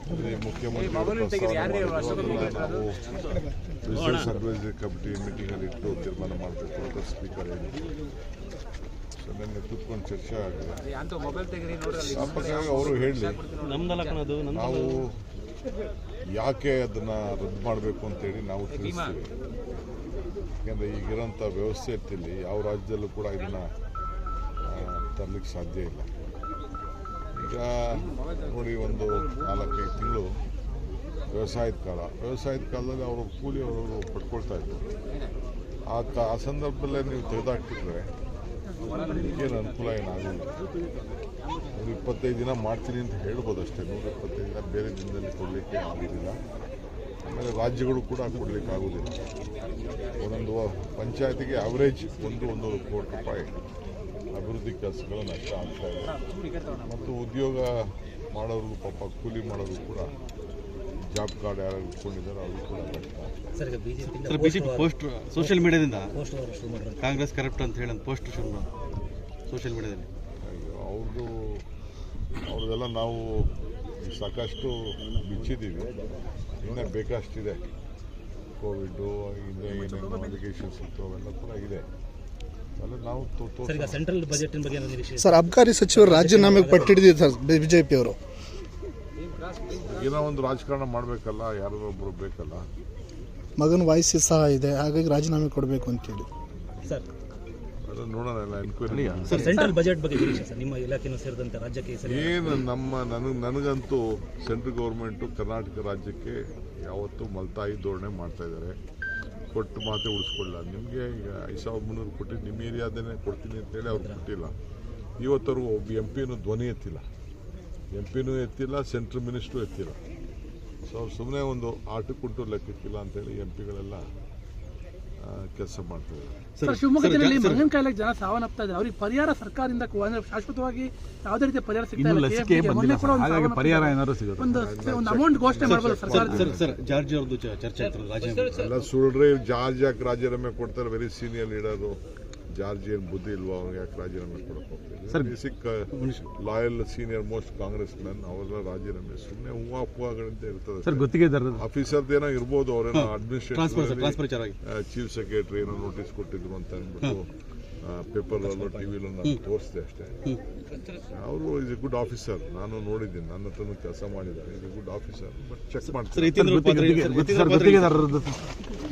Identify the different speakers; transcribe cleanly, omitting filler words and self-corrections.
Speaker 1: ಮುಖ್ಯಮಂತ್ರಿ ನಾವು business advisory committee ಮೀಟಿಂಗಲ್ಲಿ ಇಟ್ಟು ತೀರ್ಮಾನ ಮಾಡಬೇಕು ಅಂತ ಸ್ಪೀಕರ್ ಹೇಳಿದ್ರು. ಸೊ ನಿನ್ನೆ ಕೂತ್ಕೊಂಡು ಚರ್ಚೆ ಆಗಿದೆ. ಅವರು ಹೇಳಿ ನಾವು ಯಾಕೆ ಅದನ್ನು ರದ್ದು ಮಾಡಬೇಕು ಅಂತೇಳಿ ನಾವು ತಿಳಿಸ್ತೀವಿ. ಯಾಕೆಂದರೆ ಈಗಿರೋಂಥ ವ್ಯವಸ್ಥೆ ಇರ್ತಿಲ್ಲಿ ಯಾವ ರಾಜ್ಯದಲ್ಲೂ ಕೂಡ ಇದನ್ನು ತರಲಿಕ್ಕೆ ಸಾಧ್ಯ ಇಲ್ಲ. ಈಗ ನೋಡಿ, ಒಂದು 4-5 ತಿಂಗಳು ವ್ಯವಸಾಯದ ಕಾಲದಲ್ಲಿ ಅವರು ಕೂಲಿ ಅವರು ಪಡ್ಕೊಳ್ತಾ ಇದ್ರು. ಆ ಸಂದರ್ಭದಲ್ಲೇ ನೀವು ತೆಗೆದಾಕ್ತಿದ್ರೆ ಈಗೇನು ಅನುಕೂಲ ಏನಾಗಲಿಲ್ಲ. 125 ದಿನ ಮಾಡ್ತೀನಿ ಅಂತ ಹೇಳ್ಬೋದು ಅಷ್ಟೇ. 125 ದಿನ ಬೇರೆ ದಿನದಲ್ಲಿ ಕೊಡಲಿಕ್ಕೆ ಆಗೋದಿಲ್ಲ. ಆಮೇಲೆ ರಾಜ್ಯಗಳು ಕೂಡ ಕೊಡಲಿಕ್ಕೆ ಆಗೋದಿಲ್ಲ. ಒಂದೊಂದು ಪಂಚಾಯತಿಗೆ ಆವ್ರೇಜ್ 1-1.5 ಕೋಟಿ ರೂಪಾಯಿ ಅಭಿವೃದ್ಧಿ ಕೆಲಸಗಳು ನಷ್ಟ ಆಗ್ತಾ ಇದೆ. ಮತ್ತು ಉದ್ಯೋಗ ಮಾಡೋರು, ಪಾಪ ಕೂಲಿ ಮಾಡೋರು ಕೂಡ ಜಾಬ್ ಕಾರ್ಡ್ ಯಾರು ಇಟ್ಕೊಂಡಿದ್ದಾರೆ ಅವ್ರಿಗೂ ಕೂಡ ಕಷ್ಟ.
Speaker 2: ಬಿಜೆಪಿ ಪೋಸ್ಟ್ ಸೋಷಿಯಲ್ ಮೀಡಿಯಾದಿಂದ ಕಾಂಗ್ರೆಸ್ ಕರಪ್ಟ್ ಅಂತ ಹೇಳಿ ಪೋಸ್ಟ್ ಶುರು ಸೋಷಿಯಲ್ ಮೀಡಿಯಾದಲ್ಲಿ ಅವ್ರದ್ದೆಲ್ಲ ನಾವು ಸಾಕಷ್ಟು ಬಿಚ್ಚಿದ್ದೀವಿ. ಇನ್ನೂ ಬೇಕಷ್ಟಿದೆ. ಕೋವಿಡ್ ಹಿಂದೆ ಏನೇನು ಅಲಿಗೇಷನ್ಸ್ ಇತ್ತು ಅವೆಲ್ಲ ಕೂಡ ಇದೆ. ನಾವು
Speaker 3: ಸೆಂಟ್ರಲ್ ಬಜೆಟ್ ಬಗ್ಗೆ
Speaker 4: ಸರ್, ಅಬಕಾರಿ ಸಚಿವರು ರಾಜೀನಾಮೆಗೆ ಪಟ್ಟಿಡಿದ್ದಾರೆ ಬಿಜೆಪಿ ಅವರು.
Speaker 1: ಏನೋ ಒಂದು ರಾಜಕಾರಣ ಮಾಡಬೇಕಲ್ಲ, ಯಾರೋ ಒಬ್ಬರು ಬೇಕಲ್ಲ.
Speaker 4: ಮಗನ ವಯಸ್ಸು ಸಹ ಇದೆ, ಹಾಗಾಗಿ ರಾಜೀನಾಮೆ ಕೊಡಬೇಕು ಅಂತೇಳಿ
Speaker 3: ಸರ್.
Speaker 1: ಅದು ನೋಡೋಣ, ಎನ್ಕ್ವೈರಿ.
Speaker 3: ಸರ್, ಸೆಂಟ್ರಲ್ ಬಜೆಟ್ ಬಗ್ಗೆ ಸರ್, ನಿಮ್ಮ ಇಲಾಖೆನೂ ಸೇರಿದಂತೆ ರಾಜ್ಯಕ್ಕೆ
Speaker 1: ಏನು ನನಗಂತೂ ಸೆಂಟ್ರಲ್ ಗೌರ್ಮೆಂಟು ಕರ್ನಾಟಕ ರಾಜ್ಯಕ್ಕೆ ಯಾವತ್ತೂ ಮಲ್ತಾಯಿ ಧೋರಣೆ ಮಾಡ್ತಾ ಇದ್ದಾರೆ. ಕೊಟ್ಟು ಮಾತೆ ಉಳಿಸ್ಕೊಳ್ಳ. ನಿಮಗೆ ಈಗ 5300 ಕೊಟ್ಟು ನಿಮ್ಮ ಏರಿಯಾದನ್ನೇ ಕೊಡ್ತೀನಿ ಅಂತೇಳಿ ಅವ್ರು ಕೊಟ್ಟಿಲ್ಲ. ಇವತ್ತವ್ರು ಒಬ್ಬ MP ಧ್ವನಿ ಎತ್ತಿಲ್ಲ, ಸೆಂಟ್ರಲ್ ಮಿನಿಸ್ಟ್ರು ಎತ್ತಿಲ್ಲ. ಸೊ ಅವ್ರು ಸುಮ್ಮನೆ ಒಂದು ಆಟಕ್ಕುಂಟು ಲೆಕ್ಕಕ್ಕಿಲ್ಲ ಅಂತೇಳಿ MP ಗಳೆಲ್ಲ ಕೆಲಸ ಮಾಡ್ತಾರೆ.
Speaker 5: ಸರ್, ಶಿವಮೊಗ್ಗ ಜಿಲ್ಲೆಯಲ್ಲಿ ಮಂಗನ ಕಾಯಿಲೆಗೆ ಜನ ಸಾವನ್ನಪ್ತಾ ಇದ್ದಾರೆ. ಅವ್ರಿಗೆ ಪರಿಹಾರ ಸರ್ಕಾರದಿಂದ ಶಾಶ್ವತವಾಗಿ ಯಾವುದೇ ರೀತಿಯ ಪರಿಹಾರ ಸಿಗ್ತಾ ಇಲ್ಲ.
Speaker 2: ಪರಿಹಾರ ಏನಾದ್ರು ಸಿಗುತ್ತೆ,
Speaker 5: ಒಂದು ಅಮೌಂಟ್ ಘೋಷಣೆ ಮಾಡಬಹುದು ಸರ್ಕಾರ.
Speaker 2: ಸರ್, ಜಾರ್ಜ್ ಅವ್ರದ್ದು ಚರ್ಚೆ
Speaker 1: ಎಲ್ಲ ಸುಳ್ಳ್ರಿ. ಜಾರ್ಜ್ ಯಾಕೆ ರಾಜೀನಾಮೆ ಕೊಡ್ತಾರೆ? Very senior leader. ಜಾರ್ಜ್ ಏನು ಬುದ್ಧಿ ಇಲ್ವಾ ಅವ್ರಿಗೆ? ಯಾಕೆ ರಾಜೀನಾಮೆ ಕೊಡಕ್ಕೆ ಹೋಗ್ತಾರೆ? Basic loyal senior most Congress man ಅವರೆಲ್ಲ ರಾಜೀನಾಮೆ ಸುಮ್ಮನೆ ಹೂವಾಗಳಿಂದ ಇರ್ತದೆ. ಆಫೀಸರ್ದೇನೋ ಇರ್ಬೋದು, ಅವರೇನೋ ಅಡ್ಮಿನಿಸ್ಟ್ರೇಷನ್ ಚೀಫ್ ಸೆಕ್ರೆಟರಿ ಏನೋ ನೋಟಿಸ್ ಕೊಟ್ಟಿದ್ರು ಅಂತ ಅಂದ್ಬಿಟ್ಟು ಪೇಪರ್ನಲ್ಲೋ ಟಿವಿಲೋ ನಾನು ತೋರಿಸಿದೆ ಅಷ್ಟೇ. ಅವರು ಇಸ್ ಎ ಗುಡ್ ಆಫೀಸರ್. ನಾನು ನೋಡಿದ್ದೀನಿ, ನನ್ನ ಹತ್ರನೂ ಕೆಲಸ ಮಾಡಿದ್ದಾರೆ. Is a good officer. But check ಮಾಡ್ತಾರೆ.